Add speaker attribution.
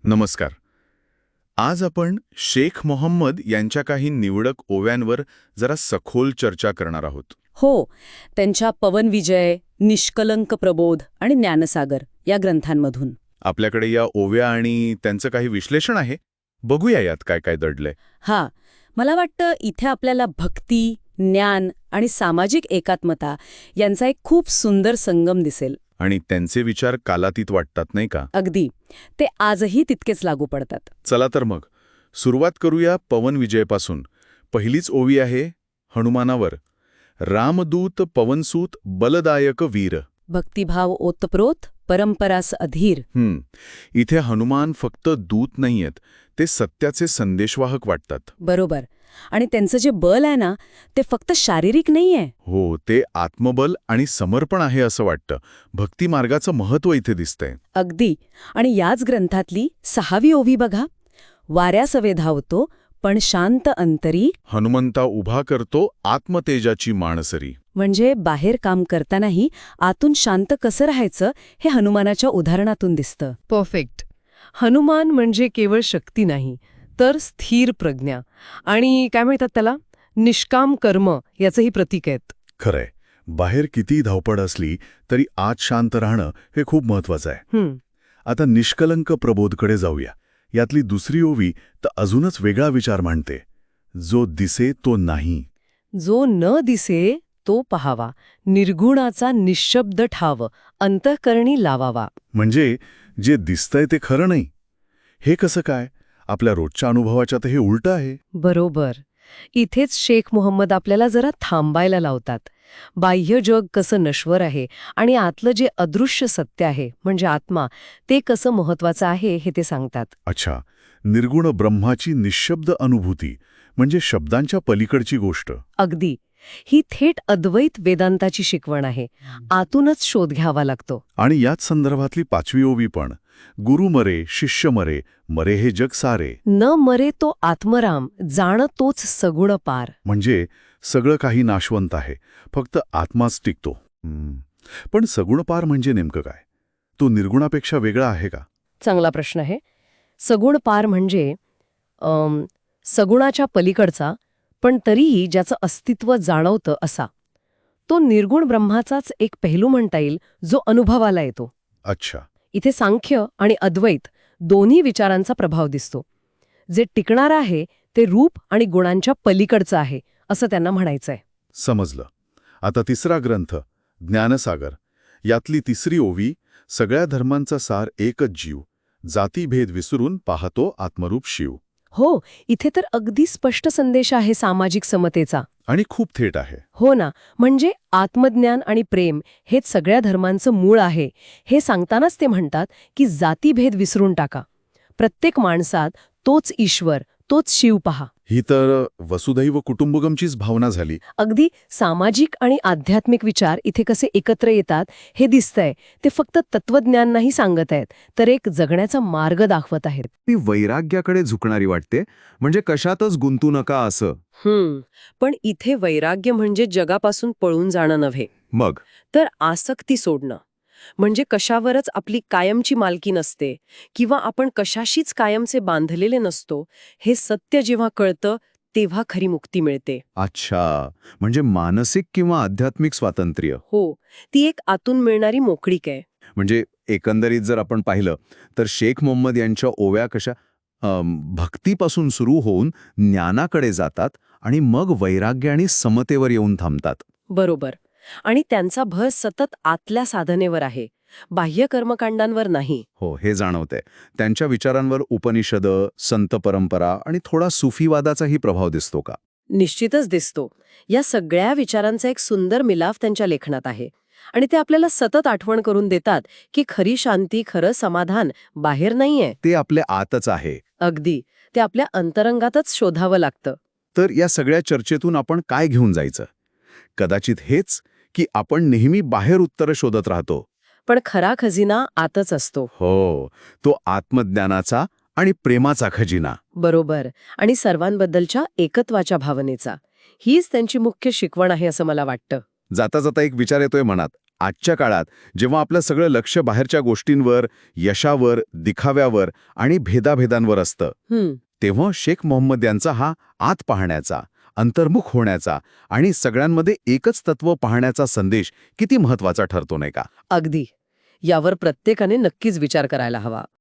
Speaker 1: नमस्कार. आज आपण शेख मोहम्मद यांच्या काही निवडक ओव्यांवर जरा सखोल चर्चा करणार आहोत.
Speaker 2: हो, त्यांच्या पवन विजय, निष्कलंक प्रबोध आणि ज्ञानसागर या ग्रंथांमधून.
Speaker 1: आपल्याकडे या ओव्या आणि त्यांचं काही विश्लेषण आहे. बघूया यात काय काय दडलंय.
Speaker 2: हा, मला वाटतं इथे आपल्याला भक्ती, ज्ञान आणि सामाजिक एकात्मता यांचा एक खूप सुंदर संगम दिसेल.
Speaker 1: आणि त्यांचे विचार कालातीत वाटतात, नाही का?
Speaker 2: अगदी. ते आजही तितकेच लागू पडतात.
Speaker 1: चला तर मग सुरुवात करूया पवन विजयपासून. पहिलीच ओवी आहे हनुमानावर. रामदूत पवनसूत बलदायक वीर.
Speaker 2: भक्तिभाव ओतप्रोत, परंपरास अधीर.
Speaker 1: इथे हनुमान फक्त दूत नाहीयेत, ते सत्याचे संदेशवाहक वाटतात.
Speaker 2: बरोबर. आणि त्यांचं जे बल आहे ना, ते फक्त शारीरिक नाहीये.
Speaker 1: हो, ते आत्मबल आणि समर्पण आहे असं वाटतं. भक्ती मार्गाचं महत्त्व इथे दिसतंय.
Speaker 2: अगदी. आणि याच ग्रंथातली 6वी ओवी बघा. वाऱ्यासवे धावतो, पण शांत अंतरी.
Speaker 1: हनुमंता उभा करतो आत्मतेजाची माणसरी.
Speaker 2: म्हणजे बाहेर काम करतानाही आतून शांत कसं राहायचं हे हनुमानाच्या उदाहरणातून दिसतं.
Speaker 3: परफेक्ट. हनुमान म्हणजे केवळ शक्ती नाही, तर स्थिर प्रज्ञा आणि काय म्हणतात त्याला, निष्काम कर्म याचंही प्रतीक आहेत.
Speaker 1: खरंय, बाहेर किती धावपळ असली तरी आत शांत राहणं हे खूप महत्वाचं आहे. आता निष्कलंक प्रबोधकडे जाऊया. यातली दुसरी ओवी तर अजूनच वेगळा विचार मांडते. जो दिसे तो नाही.
Speaker 3: जो न दिसे तो पहावा, निर्गुणाचा निःशब्द ठाव, अंतःकरणी लावावा.
Speaker 1: म्हणजे जे दिसतंय ते खरं नाही. हे कसं काय? आपल्या रोजच्या अनुभवाच्या तर हे उलटं आहे.
Speaker 3: बरोबर. इथेच शेख मोहम्मद आपल्याला जरा थांबायला लावतात. बाह्य जग कसं नश्वर आहे आणि आतलं जे अदृश्य सत्य आहे म्हणजे आत्मा, ते कसं महत्वाचं आहे हे ते सांगतात.
Speaker 1: अच्छा, निर्गुण ब्रह्माची निःशब्द अनुभूती म्हणजे शब्दांच्या पलीकडची गोष्ट.
Speaker 3: अगदी. ही थेट अद्वैत वेदांताची शिकवण आहे. आतूनच शोध घ्यावा लागतो.
Speaker 1: आणि याच संदर्भातली 5वी ओवी पण. गुरु मरे शिष्य मरे, मरे हे जग सारे.
Speaker 3: न मरे तो आत्मराम, जाण तोच सगुण पार.
Speaker 1: म्हणजे सगळं काही नाशवंत आहे, फक्त आत्माच टिकतो. पण सगुण पार म्हणजे नेमकं काय? तो निर्गुणापेक्षा वेगळा आहे का?
Speaker 3: चांगला प्रश्न आहे. सगुण पार म्हणजे सगुणाच्या पलीकडचा, पण तरीही ज्याचं अस्तित्व जाणवतं असा. तो निर्गुण ब्रह्माचाच एक पहिलू म्हणता येईल, जो अनुभवाला येतो.
Speaker 1: अच्छा.
Speaker 3: इथे सांख्य आणि अद्वैत दोन्ही विचारांचा प्रभाव दिसतो. जे टिकणार आहे ते रूप आणि गुणांच्या पलीकडचं आहे असं त्यांना म्हणायचंय.
Speaker 1: समजलं. आता तिसरा ग्रंथ ज्ञानसागर. यातली तिसरी ओवी. सगळ्या धर्मांचा सार एकच जीव, जातीभेद विसरून पाहतो आत्मरूप शिव.
Speaker 3: हो, इथे तर अगदी स्पष्ट संदेश आहे सामाजिक समतेचा.
Speaker 1: आणि खूप थेट आहे.
Speaker 3: हो ना. म्हणजे आत्मज्ञान आणि प्रेम हेच सगळ्या धर्मांचं मूळ आहे हे सांगतानाच ते म्हणतात की जातीभेद विसरून टाका. प्रत्येक माणसात तोच ईश्वर, तोच शिव पहा.
Speaker 1: ही तर वसुधैव कुटुंबकमचीच भावना झाली.
Speaker 3: अगदी. सामाजिक आणि आध्यात्मिक विचार इथे कसे एकत्र येतात हे दिसतंय. ते फक्त तत्वज्ञान नाही सांगत आहेत, तर एक जगण्याचा मार्ग दाखवत आहेत.
Speaker 4: ती वैराग्याकडे झुकणारी वाटते, म्हणजे कशातच गुंतू नका असं.
Speaker 3: पण इथे वैराग्य म्हणजे जगापासून पळून जाणं नव्हे,
Speaker 4: मग
Speaker 3: तर आसक्ती सोडणं. म्हणजे कशावरच आपली कायमची मालकी नसते किंवा आपण कशाशीच कायमचे बांधलेले नसतो. हे सत्य जेव्हा कळतं तेव्हा खरी मुक्ती मिळते.
Speaker 4: अच्छा, म्हणजे मानसिक किंवा आध्यात्मिक स्वातंत्र्य.
Speaker 3: हो, ती एक आतून मिळणारी मोकळीक आहे.
Speaker 4: म्हणजे एकंदरीत जर आपण पाहिलं तर शेख मोहम्मद यांच्या ओव्या कशा भक्तीपासून सुरू होऊन ज्ञानाकडे जातात आणि मग वैराग्य आणि समतेवर येऊन थांबतात.
Speaker 3: बरोबर. आणि त्यांचा भर सतत आतल्या साधनेवर आहे, बाह्य कर्मकांडांवर नाही.
Speaker 4: हो, हे जाणवतंय. त्यांच्या विचारांवर उपनिषद, संत परंपरा आणि थोडा सुफीवादाचाही प्रभाव दिसतो का?
Speaker 3: निश्चितच दिसतो. या सगळ्या विचारांचा एक सुंदर मिलाफ त्यांच्या लेखनात आहे. आणि ते आपल्याला सतत आठवण करून देतात की खरी शांती, खरं समाधान बाहेर नाहीये,
Speaker 4: ते आपल्या आतच आहे.
Speaker 3: अगदी. ते आपल्या अंतरंगातच शोधावं लागतं.
Speaker 4: तर या सगळ्या चर्चेतून आपण काय घेऊन जायचं? कदाचित हेच की आपण नेहमी बाहेर उत्तरं शोधत राहतो,
Speaker 3: पण खरा खजिना आतच असतो.
Speaker 4: हो, तो आत्मज्ञानाचा आणि प्रेमाचा खजिना.
Speaker 3: बरोबर. आणि सर्वांबद्दलच्या एकत्वाच्या भावनेचा. हीच त्यांची मुख्य शिकवण आहे असं मला वाटतं.
Speaker 4: जाता जाता एक विचार येतोय मनात. आजच्या काळात जेव्हा आपलं सगळं लक्ष बाहेरच्या गोष्टींवर, यशावर, दिखाव्यावर आणि भेदाभेदांवर असतं, तेव्हा शेख मोहम्मद यांचा हा आत पाहण्याचा, अंतर्मुख होण्याचा आणि सगळ्यांमध्ये एकच तत्व पाहण्याचा संदेश किती महत्वाचा ठरतो नाही का?
Speaker 3: अगदी. यावर प्रत्येकाने नक्कीच विचार करायला हवा.